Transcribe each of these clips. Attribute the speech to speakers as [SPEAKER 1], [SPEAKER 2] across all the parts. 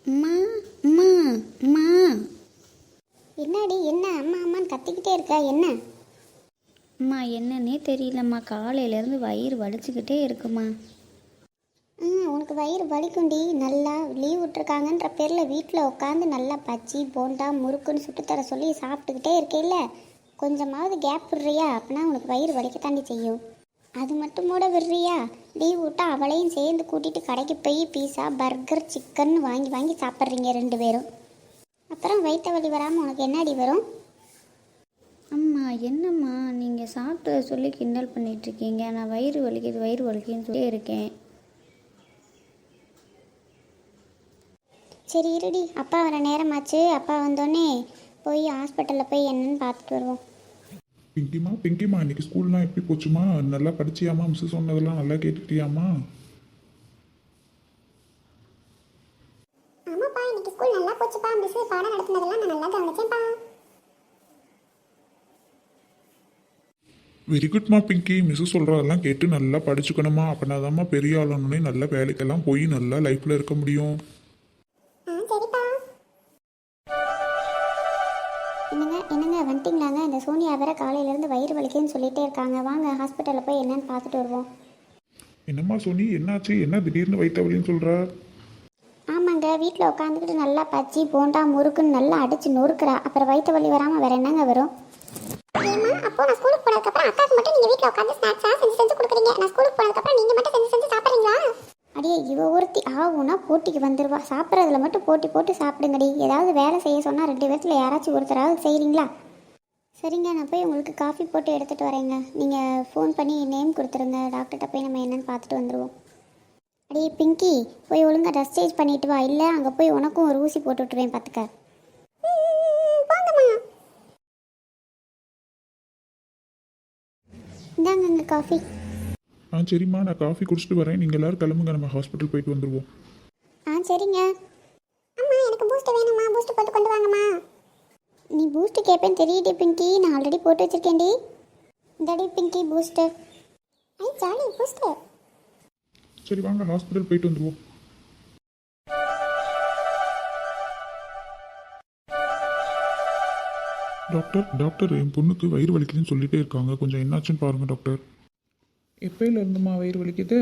[SPEAKER 1] அம்மா அம்மா அம்மா. என்னடி என்ன அம்மா அம்மான்னு கத்திக்கிட்டே இருக்கா என்ன? அம்மா என்னன்னே தெரியலம்மா, காலையிலேருந்து வயிறு வலிச்சுக்கிட்டே இருக்குமா. உனக்கு வயிறு வலிக்குண்டி. நல்லா லீவ் விட்டுருக்காங்கன்ற பேரில் வீட்டில் உட்காந்து நல்லா பச்சி போண்டா முறுக்குன்னு சுட்டுத்தர சொல்லி சாப்பிட்டுக்கிட்டே இருக்கையில கொஞ்சமாவது கேப் விடுறியா? அப்படின்னா உனக்கு வயிறு வலிக்கத்தாண்டி செய்யும். அது மட்டும் கூட விடுறியா? லீவ் விட்டா அவளையும் சேர்ந்து கூட்டிகிட்டு கடைக்கு போய் பீஸா பர்கர் சிக்கன் வாங்கி வாங்கி சாப்பிட்றீங்க 2 பேரும். அப்புறம் வயிற்று வலி வராமல் உனக்கு என்னடி வரும்? அம்மா என்னம்மா நீங்கள் சாப்பிட்டு சொல்லி கிண்டல் பண்ணிகிட்ருக்கீங்க. நான் வயிறு வலிக்குன்னு சொல்லி இருக்கேன். சரி இருடி, அப்பா வர நேரமாச்சு. அப்பா வந்தோடனே போய் ஹாஸ்பிட்டலில் போய் என்னன்னு பார்த்துட்டு வருவோம்.
[SPEAKER 2] பிங்கிமா இன்னைக்கு ஸ்கூல்லாம் எப்படி போச்சுமா? நல்லா படிச்சியாமா? மிஸ் சொன்னதெல்லாம் நல்லா கேட்டுக்கிட்டியாமா?
[SPEAKER 3] ஆமாப்பா, இன்னைக்கு ஸ்கூல் நல்லா போச்சுப்பா. மிஸ் பாடம் நடத்துனதெல்லாம் நான் நல்லா கவனிச்சேன்ப்பா.
[SPEAKER 2] வெரி குட்மா பிங்கி. மிஸ் சொல்கிறதெல்லாம் கேட்டு நல்லா படிச்சுக்கணுமா? அப்படின்னாதாம்மா பெரிய ஆளுன்னே நல்ல வேலைக்கெல்லாம் போய் நல்லா லைஃப்பில் இருக்க முடியும்.
[SPEAKER 3] சரிப்பா.
[SPEAKER 1] என்னங்க வந்துட்டிங்களாங்க? இந்த சோனியா வேற காலையிலேருந்து வயிறு வலிக்குன்னு சொல்லிகிட்டே இருக்காங்க. வாங்க ஹாஸ்பிட்டலில் போய் என்னன்னு பார்த்துட்டு வருவோம்.
[SPEAKER 2] என்னம்மா சோனி, என்னாச்சு? என்ன திடீர்னு வயிற்று வலின்னு சொல்கிற?
[SPEAKER 1] ஆமாங்க, வீட்டில் உட்காந்துக்கிட்டு நல்லா பச்சி போண்டா முறுக்குன்னு நல்லா அடித்து நொறுக்குறா. அப்புறம் வயிற்று வலி வராமல் வேற என்னங்க வரும்?
[SPEAKER 3] ஏமா, அப்போ நான் ஸ்கூலுக்கு போனதுக்கப்புறம் அக்காவுக்கு மட்டும் நீங்கள் வீட்டில் உட்காந்து ஸ்நாக்ஸாக செஞ்சு கொடுக்குறீங்க. நான் ஸ்கூலுக்கு போனதுக்கப்புறம் நீங்கள் மட்டும் செஞ்சு சாப்பிட்றீங்களா?
[SPEAKER 1] அடியே இவ ஒருத்தி ஆகுனா போட்டிக்கு வந்துடுவா. சாப்பிட்றதுல மட்டும் போட்டி போட்டு சாப்பிடுங்கடி. ஏதாவது வேலை செய்ய சொன்னால் 2 பேர்த்தில் யாராச்சும் ஒருத்தராவது செய்கிறீங்களா? சரிங்க, நான் போய் உங்களுக்கு காஃபி போட்டு எடுத்துகிட்டு வரேங்க. நீங்கள் ஃபோன் பண்ணி நேம் கொடுத்துருங்க. டாக்டர்கிட்ட போய் நம்ம என்னென்னு பார்த்துட்டு வந்துடுவோம். அடியே பிங்கி, போய் ஒழுங்காக ட்ரெஸ் சேஞ்ச் பண்ணிட்டு வா. இல்லை அங்கே போய் உனக்கும் ஒரு ஊசி போட்டு விட்டுருவேன் பார்த்துக்க.
[SPEAKER 3] போங்கம்மா.
[SPEAKER 1] இந்தாங்க காஃபி.
[SPEAKER 2] சரிம்மா, நான் காஃபி குடிச்சிட்டு வரேன். நீங்கள் எல்லோரும் கிளம்புங்க, நம்ம ஹாஸ்பிட்டல் போயிட்டு வந்துடுவோம்.
[SPEAKER 1] சரிங்க.
[SPEAKER 3] அம்மா எனக்கு பூஸ்ட் வேணும்மா. பூஸ்ட் போட்டு கொண்டு வாங்கம்மா.
[SPEAKER 1] நீ பூஸ்ட்டு கேட்பேன்னு தெரியுது பிங்கி. நான் ஆல்ரெடி போட்டு வச்சுருக்கேன்டி. இந்தாடி பிங்கி பூஸ்ட்டு.
[SPEAKER 3] ஐ ஜாலி பூஸ்ட்.
[SPEAKER 2] சரி வாங்க ஹாஸ்பிட்டல் போயிட்டு வந்துடுவோம். டாக்டர் என் பொண்ணுக்கு வயிறு வலிக்குதுன்னு சொல்லிட்டே இருக்காங்க. கொஞ்சம் என்னாச்சுன்னு பாருங்கள் டாக்டர்.
[SPEAKER 4] எப்போயில இருந்துமா வயிறு வலிக்குது?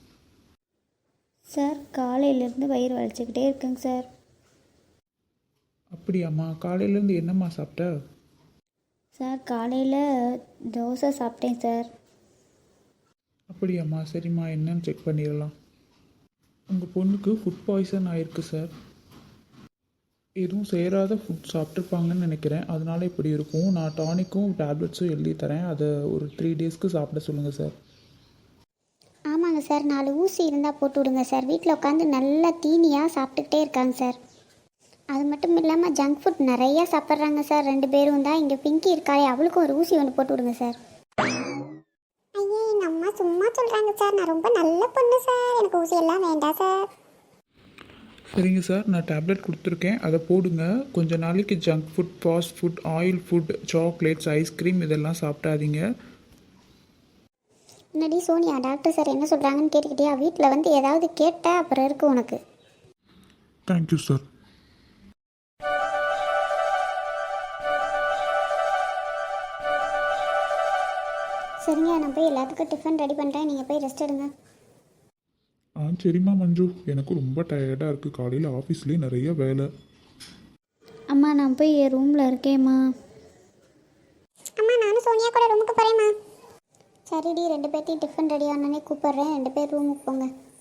[SPEAKER 1] சார் காலையிலேருந்து வயிறு வலிச்சுக்கிட்டே இருக்குங்க சார்.
[SPEAKER 4] அப்படியாம்மா? காலையிலேருந்து என்னம்மா சாப்பிட்ட?
[SPEAKER 1] சார் காலையில் தோசை சாப்பிட்டேன் சார்.
[SPEAKER 4] அப்படியாம்மா? சரிம்மா, என்னன்னு செக் பண்ணிடலாம். உங்கள் பொண்ணுக்கு ஃபுட் பாய்சன் ஆயிருக்கு சார். எதுவும் சேராத ஃபுட் சாப்பிட்ருப்பாங்கன்னு நினைக்கிறேன். அதனால இப்படி இருக்கும். நான் டானிக்கும் டேப்லெட்ஸும் எழுதி தரேன். அதை ஒரு 3 டேஸ்க்கு சாப்பிட சொல்லுங்கள் சார்.
[SPEAKER 1] ஆமாங்க சார், 4 ஊசி இருந்தால் போட்டு விடுங்க சார். வீட்டில் உட்காந்து நல்லா தீனியாக சாப்பிட்டுக்கிட்டே இருக்காங்க சார். அது மட்டும் இல்லாமல் ஜங்க் ஃபுட் நிறையா சாப்பிட்றாங்க சார் 2 பேரும் தான். இங்கே பிங்கி இருக்காளே, அவளுக்கும் ஒரு ஊசி ஒன்று போட்டு விடுங்க சார்.
[SPEAKER 3] ஐயே, எங்கள் அம்மா சும்மா சொல்கிறாங்க சார். நான் ரொம்ப நல்ல பொண்ணு சார். எனக்கு ஊசி எல்லாம் வேண்டாம் சார்.
[SPEAKER 4] சரிங்க சார், நான் டேப்லெட் கொடுத்துருக்கேன், அதை போடுங்க. கொஞ்ச நாளைக்கு junk food, fast food, oil food, chocolates, ice cream இதெல்லாம் சாப்பிடாதீங்க.
[SPEAKER 1] முன்னாடி சோனியா டாக்டர் சார் என்ன சொல்கிறாங்கன்னு கேட்டுக்கிட்டியா? வீட்டில் வந்து ஏதாவது கேட்டால் அப்புறம் இருக்கு உனக்கு.
[SPEAKER 2] Thank you sir.
[SPEAKER 1] சரிங்க, நான் போய் எல்லாத்துக்கும் டிஃபன் ரெடி பண்ணுறேன். நீங்கள் போய் ரெஸ்ட் எடுங்க.
[SPEAKER 2] சரிம்மா மஞ்சு, எனக்கு ரொம்ப டயர்டாக இருக்குது. காலையில் ஆஃபீஸ்லேயே நிறைய வேலை.
[SPEAKER 1] அம்மா நான் போய் என் ரூமில் இருக்கேம்மா.
[SPEAKER 3] அம்மா நானும் சோனியா கூட ரூமுக்கு போகிறேம்மா.
[SPEAKER 1] சரிடி, 2 பேர்த்தையும் டிஃபன் ரெடி ஆனோடனே கூப்பிட்றேன். 2 பேர் ரூமுக்கு போங்க.